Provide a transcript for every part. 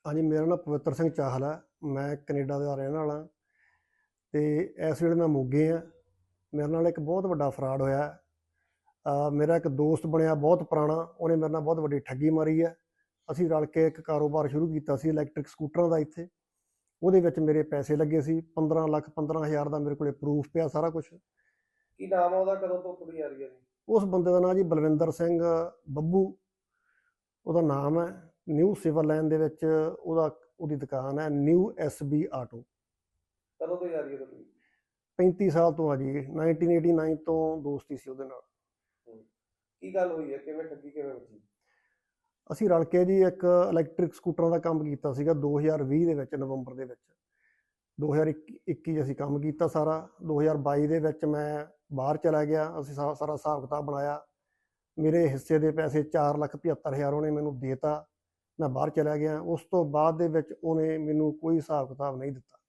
हाँ जी, मेरा नाम पवित्र सिंह चाहल है। मैं कनेडा ਦਾ ਰਹਿਣ ਵਾਲਾ ਤੇ ਇਸ ਵੇਲੇ ਮੈਂ ਮੋਗੇ ਹਾਂ। ਮੇਰੇ ਨਾਲ ਇੱਕ ਬਹੁਤ ਵੱਡਾ ਫਰਾਡ ਹੋਇਆ ਹੈ। ਮੇਰਾ ਇੱਕ ਦੋਸਤ ਬਣਿਆ ਬਹੁਤ ਪੁਰਾਣਾ, ਉਹਨੇ ਮੇਰੇ ਨਾਲ ਬਹੁਤ ਵੱਡੀ ਠੱਗੀ ਮਾਰੀ ਹੈ। ਅਸੀਂ ਰਲ ਕੇ ਇੱਕ ਕਾਰੋਬਾਰ ਸ਼ੁਰੂ ਕੀਤਾ ਸੀ ਇਲੈਕਟ੍ਰਿਕ ਸਕੂਟਰਾਂ ਦਾ ਇੱਥੇ। ਉਹਦੇ ਵਿੱਚ ਮੇਰੇ ਪੈਸੇ ਲੱਗੇ ਸੀ 15 ਲੱਖ 15,000 ਦਾ। ਮੇਰੇ ਕੋਲੇ ਪ੍ਰੂਫ ਪਿਆ ਸਾਰਾ ਕੁਝ। ਕੀ ਨਾਮ ਆ ਉਹਦਾ? ਕਦੋਂ ਤੋਂ ਕੁੜੀ ਆ ਰਹੀ ਹੈ ਜੀ? ਉਸ ਬੰਦੇ ਦਾ ਨਾਮ ਜੀ ਬਲਵਿੰਦਰ ਸਿੰਘ ਬੱਬੂ ਉਹਦਾ ਨਾਮ ਹੈ। ਨਿਊ ਸਿਵਲ ਲਾਈਨ ਦੇ ਵਿੱਚ ਉਹਦੀ ਦੁਕਾਨ ਹੈ, ਨਿਊ SB ਆਟੋ। ਕਦੋਂ ਤੋਂ ਜਾ ਰਹੀ ਹੈ ਤੁਹਾਡੀ? 35 ਸਾਲ ਤੋਂ ਆ ਜੀ। 1989 ਤੋਂ ਦੋਸਤੀ ਸੀ ਉਹਦੇ ਨਾਲ। ਕੀ ਗੱਲ ਹੋਈ ਹੈ? ਕਿਵੇਂ ਠੱਗੀ ਕਿਵੇਂ ਵੱਜੀ? ਅਸੀਂ ਰਲ ਕੇ ਜੀ ਇੱਕ ਇਲੈਕਟ੍ਰਿਕ ਸਕੂਟਰਾਂ ਦਾ ਕੰਮ ਕੀਤਾ ਸੀਗਾ 2020 ਦੇ ਵਿੱਚ, ਨਵੰਬਰ ਦੇ ਵਿੱਚ। 2021 ਅਸੀਂ ਕੰਮ ਕੀਤਾ ਸਾਰਾ। 2022 ਦੇ ਵਿੱਚ ਮੈਂ ਬਾਹਰ ਚਲਾ ਗਿਆ। ਅਸੀਂ ਸਾਰਾ ਹਿਸਾਬ ਕਿਤਾਬ ਬਣਾਇਆ। ਮੇਰੇ ਹਿੱਸੇ ਦੇ ਪੈਸੇ 4,75,000 ਉਹਨੇ ਮੈਨੂੰ ਦੇਤਾ। ਮੈਂ ਬਾਹਰ ਚਲਾ ਗਿਆ। ਉਸ ਤੋਂ ਬਾਅਦ ਦੇ ਵਿੱਚ ਉਹਨੇ ਮੈਨੂੰ ਕੋਈ ਹਿਸਾਬ ਕਿਤਾਬ ਨਹੀਂ ਦਿੱਤਾ।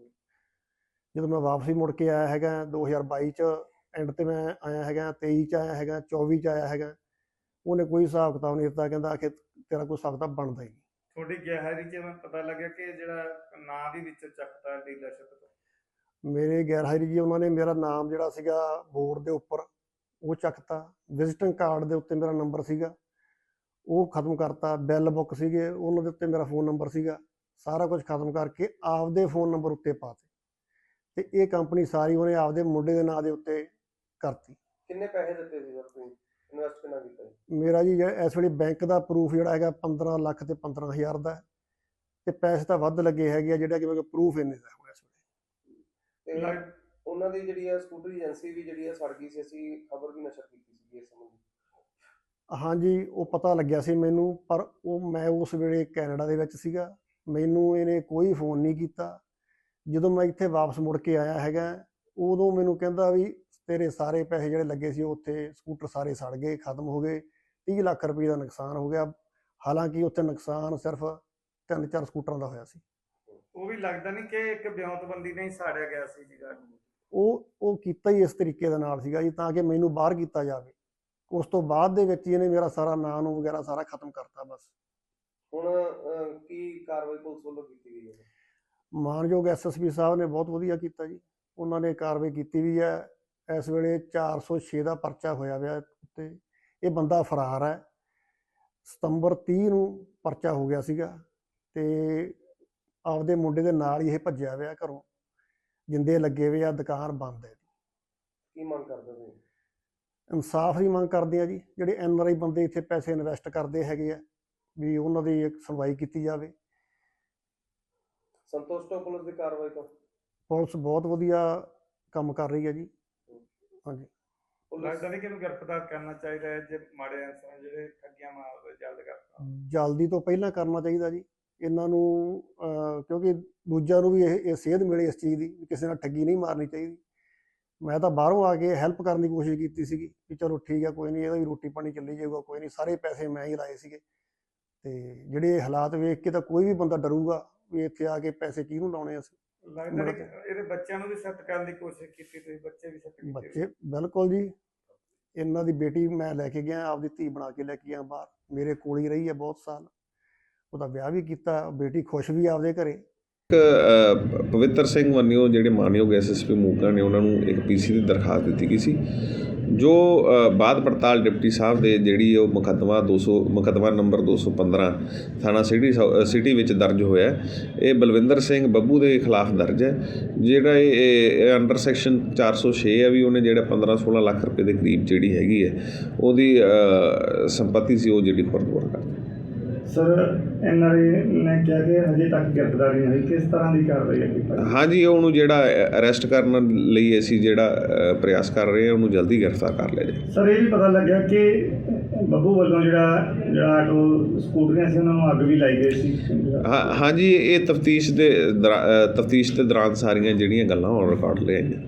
ਜਦੋਂ ਮੈਂ ਵਾਪਸੀ ਮੁੜ ਕੇ ਆਇਆ ਹੈਗਾ 2022 'ਚ ਐਂਡ 'ਤੇ ਮੈਂ ਆਇਆ ਹੈਗਾ, 23 'ਚ ਆਇਆ ਹੈਗਾ, 24 'ਚ ਆਇਆ ਹੈਗਾ, ਉਹਨੇ ਕੋਈ ਹਿਸਾਬ ਕਿਤਾਬ ਨਹੀਂ ਦਿੱਤਾ। ਕਹਿੰਦਾ ਕਿ ਤੇਰਾ ਕੋਈ ਹਿਸਾਬ ਕਿਤਾਬ ਬਣਦਾ ਹੀ ਨਹੀਂ। ਤੁਹਾਡੀ ਗੈਰਹਾਜ਼ਰੀ 'ਚ ਮੈਂ ਪਤਾ ਲੱਗਿਆ ਕਿ ਜਿਹੜਾ ਨਾਂ ਵੀ ਵਿੱਚ ਚੱਕਤਾ ਡੀਲਰਸ਼ਿਪ ਤੋਂ। ਮੇਰੇ ਗੈਰਹਾਜ਼ਰੀ ਜੀ ਉਹਨਾਂ ਨੇ ਮੇਰਾ ਨਾਮ ਜਿਹੜਾ ਸੀਗਾ ਬੋਰਡ ਦੇ ਉੱਪਰ ਉਹ ਚੱਕਤਾ। ਵਿਜ਼ਿਟਿੰਗ ਕਾਰਡ ਦੇ ਉੱਤੇ ਮੇਰਾ ਨੰਬਰ ਸੀਗਾ ਉਹ ਖਤਮ ਕਰਤਾ। ਬਿੱਲ ਬੁੱਕ ਸੀਗੇ ਉਹਨਾਂ ਦੇ ਉੱਤੇ ਮੇਰਾ ਫ਼ੋਨ ਨੰਬਰ ਸੀਗਾ। ਸਾਰਾ ਕੁਝ ਖਤਮ ਕਰਕੇ ਆਪਦੇ ਫ਼ੋਨ ਨੰਬਰ ਉੱਤੇ ਪਾਤੇ ਤੇ ਇਹ ਕੰਪਨੀ ਸਾਰੀ ਉਹਨੇ ਆਪਦੇ ਮੁੰਡੇ ਦੇ ਨਾਂ ਦੇ ਉੱਤੇ ਕਰਤੀ। ਕਿੰਨੇ ਪੈਸੇ ਦਿੱਤੇ ਸੀ ਸਰ ਤੁਸੀਂ? ਇਨਵੈਸਟ ਕਿੰਨਾ ਕੀਤਾ ਜੀ? ਮੇਰਾ ਜੀ ਇਸ ਵੇਲੇ ਬੈਂਕ ਦਾ ਪ੍ਰੂਫ ਜਿਹੜਾ ਹੈਗਾ 15 ਲੱਖ ਤੇ 15,000 ਦਾ ਤੇ ਪੈਸੇ ਤਾਂ ਵੱਧ ਲੱਗੇ ਹੈਗੇ ਆ, ਜਿਹੜਾ ਕਿ ਮੇਰੇ ਕੋਲ ਪ੍ਰੂਫ ਇੰਨੇ ਦਾ ਹੋਇਆ ਇਸ ਵੇਲੇ। ਤੇ ਉਹਨਾਂ ਦੀ ਜਿਹੜੀ ਹੈ ਸਕੂਟਰ ਏਜੰਸੀ ਵੀ ਜਿਹੜੀ ਹੈ ਸੜ ਗਈ ਸੀ। ਅਸੀਂ ਖਬਰ ਵੀ ਨਸ਼ਰ ਕੀਤੀ ਸੀ ਇਸ ਸੰਬੰਧੀ। ਹਾਂਜੀ, ਉਹ ਪਤਾ ਲੱਗਿਆ ਸੀ ਮੈਨੂੰ, ਪਰ ਮੈਂ ਉਸ ਵੇਲੇ ਕੈਨੇਡਾ ਦੇ ਵਿੱਚ ਸੀਗਾ। ਮੈਨੂੰ ਇਹਨੇ ਕੋਈ ਫੋਨ ਨਹੀਂ ਕੀਤਾ। ਜਦੋਂ ਮੈਂ ਇੱਥੇ ਵਾਪਸ ਮੁੜ ਕੇ ਆਇਆ ਹੈਗਾ ਉਦੋਂ ਮੈਨੂੰ ਕਹਿੰਦਾ ਵੀ ਤੇਰੇ ਸਾਰੇ ਪੈਸੇ ਜਿਹੜੇ ਲੱਗੇ ਸੀ ਉੱਥੇ ਸਕੂਟਰ ਸਾਰੇ ਸੜ ਗਏ, ਖਤਮ ਹੋ ਗਏ, 30 ਲੱਖ ਰੁਪਏ ਦਾ ਨੁਕਸਾਨ ਹੋ ਗਿਆ। ਹਾਲਾਂਕਿ ਉੱਥੇ ਨੁਕਸਾਨ ਸਿਰਫ 3-4 ਸਕੂਟਰਾਂ ਦਾ ਹੋਇਆ ਸੀ। ਉਹ ਵੀ ਲੱਗਦਾ ਨਹੀਂ ਕਿ ਇੱਕ ਵਿਉਂਤਬੰਦੀ ਨਹੀਂ ਸਾੜਿਆ ਗਿਆ ਸੀ ਜੀ। ਉਹ ਕੀਤਾ ਹੀ ਇਸ ਤਰੀਕੇ ਦੇ ਨਾਲ ਸੀਗਾ ਜੀ, ਤਾਂ ਕਿ ਮੈਨੂੰ ਬਾਹਰ ਕੀਤਾ ਜਾਵੇ। ਉਸ ਤੋਂ ਬਾਅਦ ਦੇ ਵਿੱਚ ਇਹਨੇ ਮੇਰਾ ਸਾਰਾ ਨਾਂ ਨੂੰ ਵਗੈਰਾ ਸਾਰਾ ਖਤਮ ਕਰਤਾ। ਬਸ ਹੁਣ ਕੀ ਕਾਰਵਾਈ ਪੁਲਿਸ ਵੱਲੋਂ ਕੀਤੀ ਗਈ ਹੈ? ਮਾਨਯੋਗ SSP ਸਾਹਿਬ ਨੇ ਬਹੁਤ ਵਧੀਆ ਕੀਤਾ ਜੀ। ਉਹਨਾਂ ਨੇ ਕਾਰਵਾਈ ਕੀਤੀ ਵੀ ਹੈ। ਇਸ ਵੇਲੇ 406 ਦਾ ਪਰਚਾ ਹੋਇਆ ਹੋਇਆ ਉੱਤੇ। ਇਹ ਬੰਦਾ ਫਰਾਰ ਹੈ। ਸਤੰਬਰ 30 ਨੂੰ ਪਰਚਾ ਹੋ ਗਿਆ ਸੀਗਾ ਤੇ ਆਪਦੇ ਮੁੰਡੇ ਦੇ ਨਾਲ ਹੀ ਇਹ ਭੱਜਿਆ ਹੋਇਆ ਘਰੋਂ। ਜਿੰਦੇ ਲੱਗੇ ਹੋਏ ਆ, ਦੁਕਾਨ ਬੰਦ ਹੈ। ਕੀ ਮੰਗ ਕਰਦੇ ਤੁਸੀਂ? ਇਨਸਾਫ ਦੀ ਮੰਗ ਕਰਦੇ ਆ ਜੀ। ਜਿਹੜੇ NRI ਬੰਦੇ ਇੱਥੇ ਪੈਸੇ ਇਨਵੈਸਟ ਕਰਦੇ ਹੈਗੇ ਆ ਵੀ ਉਹਨਾਂ ਦੀ ਇੱਕ ਸੁਣਵਾਈ ਕੀਤੀ ਜਾਵੇ। ਸੰਤੁਸ਼ਟ ਹੋ ਪੁਲਿਸ ਦੀ ਕਾਰਵਾਈ ਤੋਂ? ਪੁਲਿਸ ਬਹੁਤ ਵਧੀਆ ਕੰਮ ਕਰ ਰਹੀ ਹੈ ਜੀ। ਹਾਂਜੀ, ਲੱਗਦਾ ਨਹੀਂ ਕਿ ਇਹਨੂੰ ਗ੍ਰਿਫਤਾਰ ਕਰਨਾ ਚਾਹੀਦਾ ਹੈ ਜੇ ਮਾੜੇ ਅਨਸਰ ਜਿਹੜੇ ਠੱਗੀਆਂ ਮਾਰਦੇ ਜਲਦ ਕਰਤਾ। ਜਲਦੀ ਤੋਂ ਪਹਿਲਾਂ ਕਰਨਾ ਚਾਹੀਦਾ ਜੀ ਇਹਨਾਂ ਨੂੰ, ਕਿਉਂਕਿ ਦੂਜਿਆਂ ਨੂੰ ਵੀ ਇਹ ਸੇਧ ਮਿਲੇ ਇਸ ਚੀਜ਼ ਦੀ ਵੀ ਕਿਸੇ ਨਾਲ ਠੱਗੀ ਨਹੀਂ ਮਾਰਨੀ ਚਾਹੀਦੀ। ਮੈਂ ਤਾਂ ਬਾਹਰੋਂ ਆ ਕੇ ਹੈਲਪ ਕਰਨ ਦੀ ਕੋਸ਼ਿਸ਼ ਕੀਤੀ ਸੀਗੀ ਵੀ ਚਲੋ ਠੀਕ ਆ, ਕੋਈ ਨਹੀਂ, ਇਹਦਾ ਵੀ ਰੋਟੀ ਪਾਣੀ ਚੱਲੀ ਜਾਊਗਾ, ਕੋਈ ਨਹੀਂ। ਸਾਰੇ ਪੈਸੇ ਮੈਂ ਹੀ ਲਾਏ ਸੀਗੇ ਤੇ ਜਿਹੜੇ ਹਾਲਾਤ ਵੇਖ ਕੇ ਤਾਂ ਕੋਈ ਵੀ ਬੰਦਾ ਡਰੂਗਾ ਵੀ ਇੱਥੇ ਆ ਕੇ ਪੈਸੇ ਕਿਹਨੂੰ ਲਾਉਣੇ ਅਸੀਂ। ਲੱਗਦਾ ਨਹੀਂ ਇਹਦੇ ਬੱਚਿਆਂ ਨੂੰ ਵੀ ਸੈੱਟ ਕਰਨ ਦੀ ਕੋਸ਼ਿਸ਼ ਕੀਤੀ ਤੁਸੀਂ? ਬੱਚੇ ਵੀ ਸੈੱਟ ਕੀਤੇ? ਬੱਚੇ ਬਿਲਕੁਲ ਜੀ। ਇਹਨਾਂ ਦੀ ਬੇਟੀ ਮੈਂ ਲੈ ਕੇ ਗਿਆ, ਆਪਦੀ ਧੀ ਬਣਾ ਕੇ ਲੈ ਕੇ ਗਿਆ ਬਾਹਰ। ਮੇਰੇ ਕੋਲ ਹੀ ਰਹੀ ਹੈ ਬਹੁਤ ਸਾਲ। ਉਹਦਾ ਵਿਆਹ ਵੀ ਕੀਤਾ, ਬੇਟੀ ਖੁਸ਼ ਵੀ ਆਪਦੇ ਘਰੇ। ਪਵਿੱਤਰ ਸਿੰਘ ਵੰਨਿਓ ਜਿਹੜੇ ਮਾਨਯੋਗ SSP ਮੋਗਾ ਨੇ ਉਹਨਾਂ ਨੂੰ ਇੱਕ PC ਦੀ ਦਰਖਾਸਤ ਦਿੱਤੀ ਗਈ ਸੀ, ਜੋ ਬਾਅਦ ਪੜਤਾਲ ਡਿਪਟੀ ਸਾਹਿਬ ਦੇ ਜਿਹੜੀ ਉਹ ਮੁਕੱਦਮਾ ਨੰਬਰ 215 ਥਾਣਾ ਸਿਟੀ ਵਿੱਚ ਦਰਜ ਹੋਇਆ। ਇਹ ਬਲਵਿੰਦਰ ਸਿੰਘ ਬੱਬੂ ਦੇ ਖਿਲਾਫ ਦਰਜ ਹੈ। ਜਿਹੜਾ ਇਹ ਅੰਡਰ ਸੈਕਸ਼ਨ 406 ਹੈ ਵੀ ਉਹਨੇ ਜਿਹੜਾ 15-16 ਲੱਖ ਰੁਪਏ ਦੇ ਕਰੀਬ ਜਿਹੜੀ ਹੈਗੀ ਹੈ ਉਹਦੀ ਸੰਪੱਤੀ ਸੀ ਉਹ ਜਿਹੜੀ ਫਰਦਵਾਰ ਕਰ। ਸਰ NRI ਨੇ ਕਿਹਾ ਕਿ ਹਜੇ ਤੱਕ ਗ੍ਰਿਫਤਾਰੀ ਨਹੀਂ ਹੋਈ, ਕਿਸ ਤਰ੍ਹਾਂ ਦੀ ਕਾਰਵਾਈ ਹੈ? ਹਾਂਜੀ, ਉਹਨੂੰ ਜਿਹੜਾ ਅਰੈਸਟ ਕਰਨ ਲਈ ਅਸੀਂ ਜਿਹੜਾ ਪ੍ਰਯਾਸ ਕਰ ਰਹੇ ਹਾਂ, ਉਹਨੂੰ ਜਲਦੀ ਗ੍ਰਿਫਤਾਰ ਕਰ ਲਿਆ ਜਾਏ। ਸਰ ਇਹ ਵੀ ਪਤਾ ਲੱਗਿਆ ਕਿ ਬੱਬੂ ਵੱਲੋਂ ਜਿਹੜਾ ਆਟੋ ਸਕੂਟਰੀਆਂ ਸੀ ਉਹਨਾਂ ਨੂੰ ਅੱਗ ਵੀ ਲਾਈ ਗਈ ਸੀ। ਹਾਂਜੀ, ਇਹ ਤਫਤੀਸ਼ ਦੇ ਦੌਰਾਨ ਸਾਰੀਆਂ ਜਿਹੜੀਆਂ ਗੱਲਾਂ ਔਨ ਰਿਕਾਰਡ ਲੈ ਆਈਆਂ।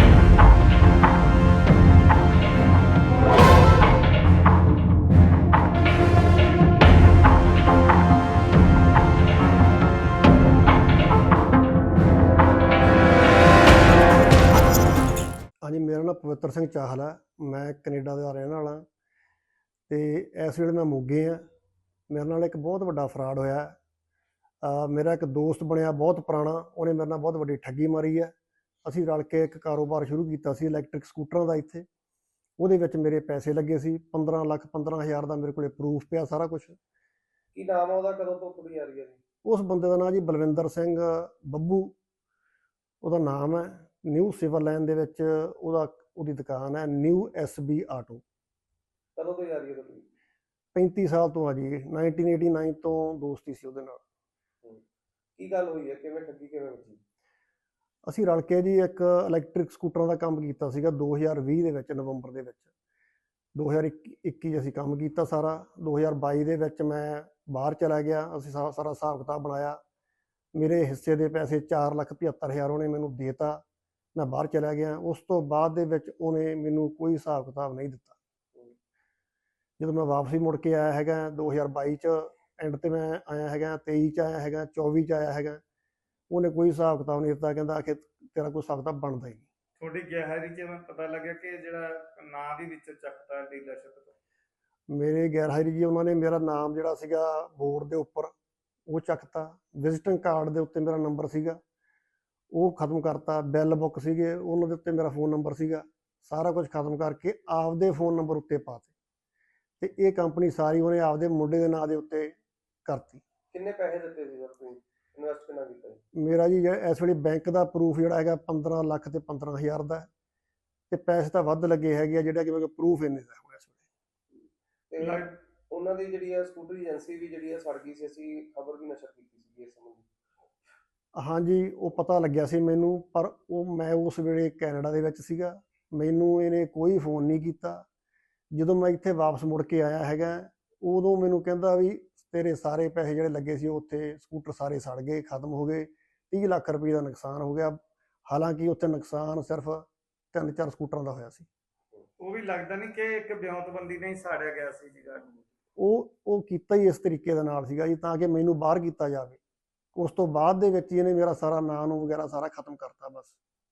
ਹਾਂਜੀ, ਮੇਰਾ ਨਾਮ ਪਵਿੱਤਰ ਸਿੰਘ ਚਾਹਲ ਹੈ। ਮੈਂ ਕੈਨੇਡਾ ਦਾ ਰਹਿਣ ਵਾਲਾ ਤੇ ਇਸ ਵੇਲੇ ਮੈਂ ਮੋਗੇ ਹਾਂ। ਮੇਰੇ ਨਾਲ ਇੱਕ ਬਹੁਤ ਵੱਡਾ ਫਰਾਡ ਹੋਇਆ ਮੇਰਾ ਇੱਕ ਦੋਸਤ ਬਣਿਆ ਬਹੁਤ ਪੁਰਾਣਾ, ਉਹਨੇ ਮੇਰੇ ਨਾਲ ਬਹੁਤ ਵੱਡੀ ਠੱਗੀ ਮਾਰੀ ਹੈ। ਅਸੀਂ ਰਲ ਕੇ ਇੱਕ ਕਾਰੋਬਾਰ ਸ਼ੁਰੂ ਕੀਤਾ ਸੀ ਇਲੈਕਟ੍ਰਿਕ ਸਕੂਟਰਾਂ ਦਾ ਇੱਥੇ। ਉਹਦੇ ਵਿੱਚ ਮੇਰੇ ਪੈਸੇ ਲੱਗੇ ਸੀ 15,15,000 ਦਾ, ਮੇਰੇ ਕੋਲੇ ਪ੍ਰੂਫ ਪਿਆ ਸਾਰਾ ਕੁਝ। ਕੀ ਨਾਮ ਆ ਉਹਦਾ, ਕਦੋਂ ਤੋਂ ਕੁੜੀ ਆ ਰਹੀ ਹੈ ਜੀ? ਉਸ ਬੰਦੇ ਦਾ ਨਾਂ ਜੀ ਬਲਵਿੰਦਰ ਸਿੰਘ ਬੱਬੂ ਉਹਦਾ ਨਾਮ ਹੈ। ਨਿਊ ਸਿਵਲ ਲਾਈਨ ਦੇ ਵਿੱਚ ਉਹਦੀ ਦੁਕਾਨ ਹੈ, ਨਿਊ SB ਆਟੋ। ਕਦੋਂ ਤੋਂ ਆ ਰਹੀ ਹੈ ਤੁਹਾਡੀ? 35 ਸਾਲ ਤੋਂ ਆ ਜੀ, 1989 ਤੋਂ ਦੋਸਤੀ ਸੀ ਉਹਦੇ ਨਾਲ। ਕੀ ਗੱਲ ਹੋਈ ਹੈ, ਕਿਵੇਂ ਠੱਗੀ ਕਿਵੇਂ ਵੱਜੀ? ਅਸੀਂ ਰਲ ਕੇ ਜੀ ਇੱਕ ਇਲੈਕਟ੍ਰਿਕ ਸਕੂਟਰਾਂ ਦਾ ਕੰਮ ਕੀਤਾ ਸੀਗਾ 2020 ਦੇ ਵਿੱਚ, ਨਵੰਬਰ ਦੇ ਵਿੱਚ। 2021 ਅਸੀਂ ਕੰਮ ਕੀਤਾ ਸਾਰਾ। 2022 ਦੇ ਵਿੱਚ ਮੈਂ ਬਾਹਰ ਚਲਾ ਗਿਆ। ਅਸੀਂ ਸਾਰਾ ਹਿਸਾਬ ਕਿਤਾਬ ਬਣਾਇਆ। ਮੇਰੇ ਹਿੱਸੇ ਦੇ ਪੈਸੇ 4,75,000 ਉਹਨੇ ਮੈਨੂੰ ਦੇਤਾ। ਮੈਂ ਬਾਹਰ ਚਲਾ ਗਿਆ। ਉਸ ਤੋਂ ਬਾਅਦ ਦੇ ਵਿੱਚ ਉਹਨੇ ਮੈਨੂੰ ਕੋਈ ਹਿਸਾਬ ਕਿਤਾਬ ਨਹੀਂ ਦਿੱਤਾ। ਜਦੋਂ ਮੈਂ ਵਾਪਸੀ ਮੁੜ ਕੇ ਆਇਆ ਹੈਗਾ 2022 'ਚ ਐਂਡ 'ਤੇ ਮੈਂ ਆਇਆ ਹੈਗਾ, 23 'ਚ ਆਇਆ ਹੈਗਾ, 24 'ਚ ਆਇਆ ਹੈਗਾ, ਉਹਨੇ ਕੋਈ ਹਿਸਾਬ ਕਿਤਾਬ ਨਹੀਂ ਦਿੱਤਾ। ਕਹਿੰਦਾ ਕਿ ਤੇਰਾ ਕੋਈ ਹਿਸਾਬ ਕਿਤਾਬ ਬਣਦਾ ਹੀ ਨਹੀਂ। ਤੁਹਾਡੀ ਗੈਰਹਾਜ਼ਰੀ 'ਚ ਮੈਨੂੰ ਪਤਾ ਲੱਗਿਆ ਕਿ ਜਿਹੜਾ ਨਾਂ ਵੀ ਵਿੱਚ ਚੱਕਤਾ ਡੀਲਰਸ਼ਿਪ ਤੋਂ। ਮੇਰੇ ਗੈਰਹਾਜ਼ਰੀ ਜੀ ਉਹਨਾਂ ਨੇ ਮੇਰਾ ਨਾਮ ਜਿਹੜਾ ਸੀਗਾ ਬੋਰਡ ਦੇ ਉੱਪਰ ਉਹ ਚੱਕਤਾ। ਵਿਜ਼ਿਟਿੰਗ ਕਾਰਡ ਦੇ ਉੱਤੇ ਮੇਰਾ ਨੰਬਰ ਸੀਗਾ ਉਹ ਖਤਮ ਕਰਤਾ। ਬਿੱਲ ਬੁੱਕ ਸੀਗੇ ਉਹਨਾਂ ਦੇ ਉੱਤੇ ਮੇਰਾ ਫ਼ੋਨ ਨੰਬਰ ਸੀਗਾ। ਸਾਰਾ ਕੁਝ ਖਤਮ ਕਰਕੇ ਆਪਦੇ ਫ਼ੋਨ ਨੰਬਰ ਉੱਤੇ ਪਾਤੇ ਤੇ ਇਹ ਕੰਪਨੀ ਸਾਰੀ ਉਹਨੇ ਆਪਦੇ ਮੁੰਡੇ ਦੇ ਨਾਂ ਦੇ ਉੱਤੇ ਕਰਤੀ। ਕਿੰਨੇ ਪੈਸੇ ਦਿੱਤੇ ਸੀ ਸਰ ਤੁਸੀਂ? ਇਨਵੈਸਟ ਕਿੰਨਾ ਕੀਤਾ ਜੀ? ਮੇਰਾ ਜੀ ਇਸ ਵੇਲੇ ਬੈਂਕ ਦਾ ਪ੍ਰੂਫ ਜਿਹੜਾ ਹੈਗਾ 15 ਲੱਖ ਤੇ 15,000 ਦਾ ਹੈ ਤੇ ਪੈਸੇ ਤਾਂ ਵੱਧ ਲੱਗੇ ਹੈਗੇ ਆ, ਜਿਹੜਾ ਕਿ ਮੇਰੇ ਪ੍ਰੂਫ ਇੰਨੇ ਦਾ ਹੋਇਆ ਇਸ ਵੇਲੇ। ਤੇ ਉਹਨਾਂ ਦੀ ਜਿਹੜੀ ਹੈ ਸਕੂਟਰੀ ਏਜੰਸੀ ਵੀ ਜਿਹੜੀ ਹੈ ਸੜ ਗਈ ਸੀ, ਅਸੀਂ ਖਬਰ ਵੀ ਨਸ਼ਰ ਕੀਤੀ ਸੀ ਇਸ ਸੰਬੰਧੀ। ਹਾਂਜੀ, ਉਹ ਪਤਾ ਲੱਗਿਆ ਸੀ ਮੈਨੂੰ, ਪਰ ਮੈਂ ਉਸ ਵੇਲੇ ਕੈਨੇਡਾ ਦੇ ਵਿੱਚ ਸੀਗਾ। ਮੈਨੂੰ ਇਹਨੇ ਕੋਈ ਫੋਨ ਨਹੀਂ ਕੀਤਾ। ਜਦੋਂ ਮੈਂ ਇੱਥੇ ਵਾਪਸ ਮੁੜ ਕੇ ਆਇਆ ਹੈਗਾ ਉਦੋਂ ਮੈਨੂੰ ਕਹਿੰਦਾ ਵੀ ਤੇਰੇ ਸਾਰੇ ਪੈਸੇ ਜਿਹੜੇ ਲੱਗੇ ਸੀ ਉੱਥੇ ਸਕੂਟਰ ਸਾਰੇ ਸੜ ਗਏ, ਖਤਮ ਹੋ ਗਏ, 30 ਲੱਖ ਰੁਪਏ ਦਾ ਨੁਕਸਾਨ ਹੋ ਗਿਆ। ਹਾਲਾਂਕਿ ਉੱਥੇ ਨੁਕਸਾਨ ਸਿਰਫ 3-4 ਸਕੂਟਰਾਂ ਦਾ ਹੋਇਆ ਸੀ। ਉਹ ਵੀ ਲੱਗਦਾ ਨਹੀਂ ਕਿ ਇੱਕ ਵਿਉਂਤਬੰਦੀ ਨਹੀਂ ਸਾੜਿਆ ਗਿਆ ਸੀ ਜੀ ਗਾੜੀ। ਉਹ ਕੀਤਾ ਹੀ ਇਸ ਤਰੀਕੇ ਦੇ ਨਾਲ ਸੀਗਾ ਜੀ, ਤਾਂ ਕਿ ਮੈਨੂੰ ਬਾਹਰ ਕੀਤਾ ਜਾਵੇ। ਉਸ ਤੋਂ ਬਾਅਦ ਦੇ ਵਿੱਚ ਇਹਨੇ ਮੇਰਾ ਸਾਰਾ ਨਾਂ ਨੂੰ ਵਗੈਰਾ ਸਾਰਾ ਖਤਮ ਕਰਤਾ ਬਸ।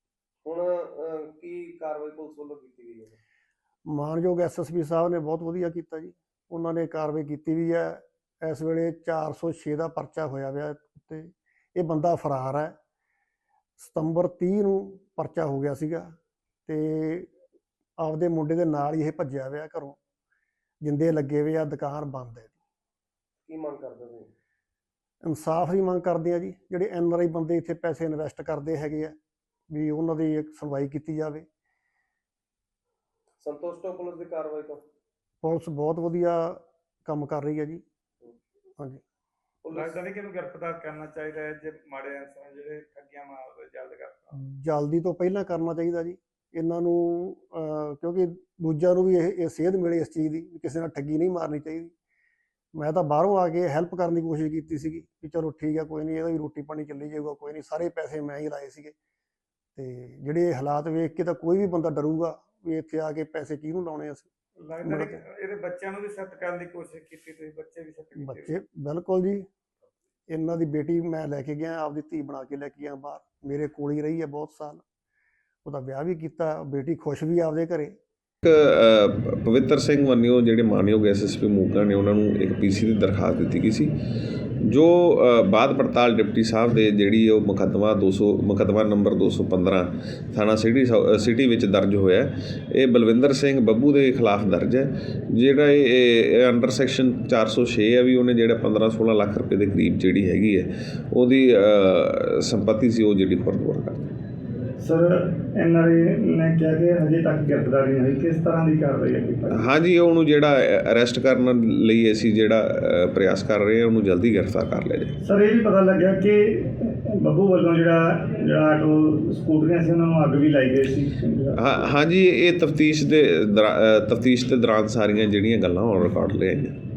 ਹੁਣ ਕੀ ਕਾਰਵਾਈ ਪੁਲਿਸ ਵੱਲੋਂ ਕੀਤੀ ਗਈ ਹੈ? ਮਾਨਯੋਗ SSP ਸਾਹਿਬ ਨੇ ਬਹੁਤ ਵਧੀਆ ਕੀਤਾ ਜੀ। ਉਹਨਾਂ ਨੇ ਕਾਰਵਾਈ ਕੀਤੀ ਵੀ ਹੈ। ਇਸ ਵੇਲੇ 406 ਦਾ ਪਰਚਾ ਹੋਇਆ ਹੋਇਆ ਉੱਤੇ। ਇਹ ਬੰਦਾ ਫਰਾਰ ਹੈ। ਸਤੰਬਰ 30 ਨੂੰ ਪਰਚਾ ਹੋ ਗਿਆ ਸੀਗਾ ਤੇ ਆਪਦੇ ਮੁੰਡੇ ਦੇ ਨਾਲ ਹੀ ਇਹ ਭੱਜਿਆ ਹੋਇਆ ਘਰੋਂ। ਜਿੰਦੇ ਲੱਗੇ ਹੋਏ ਆ, ਦੁਕਾਨ ਬੰਦ ਹੈ। ਕੀ ਮੰਗ ਕਰਦੇ ਤੁਸੀਂ? ਇਨਸਾਫ ਦੀ ਮੰਗ ਕਰਦੇ ਆ ਜੀ। ਜਿਹੜੇ NRI ਬੰਦੇ ਇੱਥੇ ਪੈਸੇ ਇਨਵੈਸਟ ਕਰਦੇ ਹੈਗੇ ਆ ਵੀ ਉਹਨਾਂ ਦੀ ਇੱਕ ਸੁਣਵਾਈ ਕੀਤੀ ਜਾਵੇ। ਸੰਤੁਸ਼ਟ ਹੋ ਪੁਲਿਸ ਦੀ ਕਾਰਵਾਈ ਤੋਂ? ਪੁਲਿਸ ਬਹੁਤ ਵਧੀਆ ਕੰਮ ਕਰ ਰਹੀ ਹੈ ਜੀ। ਹਾਂਜੀ, ਲੱਗਦਾ ਨਹੀਂ ਕਿ ਇਹਨੂੰ ਗ੍ਰਿਫਤਾਰ ਕਰਨਾ ਚਾਹੀਦਾ ਹੈ ਜੇ ਮਾੜੇ ਅਨਸਰ ਜਿਹੜੇ ਠੱਗੀਆਂ ਮਾਰਦੇ ਜਲਦ ਕਰਤਾ। ਜਲਦੀ ਤੋਂ ਪਹਿਲਾਂ ਕਰਨਾ ਚਾਹੀਦਾ ਜੀ ਇਹਨਾਂ ਨੂੰ, ਕਿਉਂਕਿ ਦੂਜਿਆਂ ਨੂੰ ਵੀ ਇਹ ਸੇਧ ਮਿਲੇ ਇਸ ਚੀਜ਼ ਦੀ ਵੀ ਕਿਸੇ ਨਾਲ ਠੱਗੀ ਨਹੀਂ ਮਾਰਨੀ ਚਾਹੀਦੀ। ਮੈਂ ਤਾਂ ਬਾਹਰੋਂ ਆ ਕੇ ਹੈਲਪ ਕਰਨ ਦੀ ਕੋਸ਼ਿਸ਼ ਕੀਤੀ ਸੀਗੀ ਵੀ ਚਲੋ ਠੀਕ ਹੈ, ਕੋਈ ਨਹੀਂ, ਇਹਦਾ ਵੀ ਰੋਟੀ ਪਾਣੀ ਚੱਲੀ ਜਾਊਗਾ, ਕੋਈ ਨਹੀਂ। ਸਾਰੇ ਪੈਸੇ ਮੈਂ ਹੀ ਲਾਏ ਸੀਗੇ ਤੇ ਜਿਹੜੇ ਹਾਲਾਤ ਵੇਖ ਕੇ ਤਾਂ ਕੋਈ ਵੀ ਬੰਦਾ ਡਰੂਗਾ ਵੀ ਇੱਥੇ ਆ ਕੇ ਪੈਸੇ ਕਿਹਨੂੰ ਲਾਉਣੇ ਅਸੀਂ। ਲੱਗਦਾ ਨਹੀਂ ਇਹਦੇ ਬੱਚਿਆਂ ਨੂੰ ਵੀ ਸੈੱਟ ਕਰਨ ਦੀ ਕੋਸ਼ਿਸ਼ ਕੀਤੀ ਤੁਸੀਂ? ਬੱਚੇ ਵੀ ਸੈੱਟ ਕੀਤੇ? ਬੱਚੇ ਬਿਲਕੁਲ ਜੀ। ਇਹਨਾਂ ਦੀ ਬੇਟੀ ਮੈਂ ਲੈ ਕੇ ਗਿਆ, ਆਪਦੀ ਧੀ ਬਣਾ ਕੇ ਲੈ ਕੇ ਗਿਆ ਬਾਹਰ। ਮੇਰੇ ਕੋਲ ਹੀ ਰਹੀ ਹੈ ਬਹੁਤ ਸਾਲ। ਉਹਦਾ ਵਿਆਹ ਵੀ ਕੀਤਾ, ਬੇਟੀ ਖੁਸ਼ ਵੀ ਆਪਦੇ ਘਰੇ। ਪਵਿੱਤਰ ਸਿੰਘ ਵੰਨਿਓ ਜਿਹੜੇ ਮਾਨਯੋਗ SSP ਮੋਗਾ ਨੇ ਉਹਨਾਂ ਨੂੰ ਇੱਕ PC ਦੀ ਦਰਖਾਸਤ ਦਿੱਤੀ ਗਈ ਸੀ, ਜੋ ਬਾਅਦ ਪੜਤਾਲ ਡਿਪਟੀ ਸਾਹਿਬ ਦੇ ਜਿਹੜੀ ਉਹ ਮੁਕੱਦਮਾ ਨੰਬਰ 215 ਥਾਣਾ ਸਿਟੀ ਵਿੱਚ ਦਰਜ ਹੋਇਆ। ਇਹ ਬਲਵਿੰਦਰ ਸਿੰਘ ਬੱਬੂ ਦੇ ਖਿਲਾਫ ਦਰਜ ਹੈ। ਜਿਹੜਾ ਇਹ ਅੰਡਰ ਸੈਕਸ਼ਨ 406 ਹੈ ਵੀ ਉਹਨੇ ਜਿਹੜਾ 15-16 ਲੱਖ ਰੁਪਏ ਦੇ ਕਰੀਬ ਜਿਹੜੀ ਹੈਗੀ ਹੈ ਉਹਦੀ ਸੰਪत्ति ਸੀ ਉਹ ਜਿਹੜੀ ਖੁਰਦ-ਬੁਰਦ ਕਰ। ਸਰ NRI ਨੇ ਕਿਹਾ ਕਿ ਹਜੇ ਤੱਕ ਗ੍ਰਿਫਤਾਰੀ ਨਹੀਂ ਹੋਈ, ਕਿਸ ਤਰ੍ਹਾਂ ਦੀ ਕਾਰਵਾਈ ਹੈ? ਹਾਂਜੀ, ਉਹਨੂੰ ਜਿਹੜਾ ਅਰੈਸਟ ਕਰਨ ਲਈ ਅਸੀਂ ਜਿਹੜਾ ਪ੍ਰਯਾਸ ਕਰ ਰਹੇ ਹਾਂ, ਉਹਨੂੰ ਜਲਦੀ ਗ੍ਰਿਫਤਾਰ ਕਰ ਲਿਆ ਜਾਏ। ਸਰ ਇਹ ਵੀ ਪਤਾ ਲੱਗਿਆ ਕਿ ਬੱਬੂ ਵੱਲੋਂ ਜਿਹੜਾ ਆਟੋ ਸਕੂਟਰੀਆਂ ਸੀ ਉਹਨਾਂ ਨੂੰ ਅੱਗ ਵੀ ਲਾਈ ਗਈ ਸੀ। ਹਾਂਜੀ, ਇਹ ਤਫਤੀਸ਼ ਦੇ ਦੌਰਾਨ ਸਾਰੀਆਂ ਜਿਹੜੀਆਂ ਗੱਲਾਂ ਔਨ ਰਿਕਾਰਡ ਲਿਆਈਆਂ।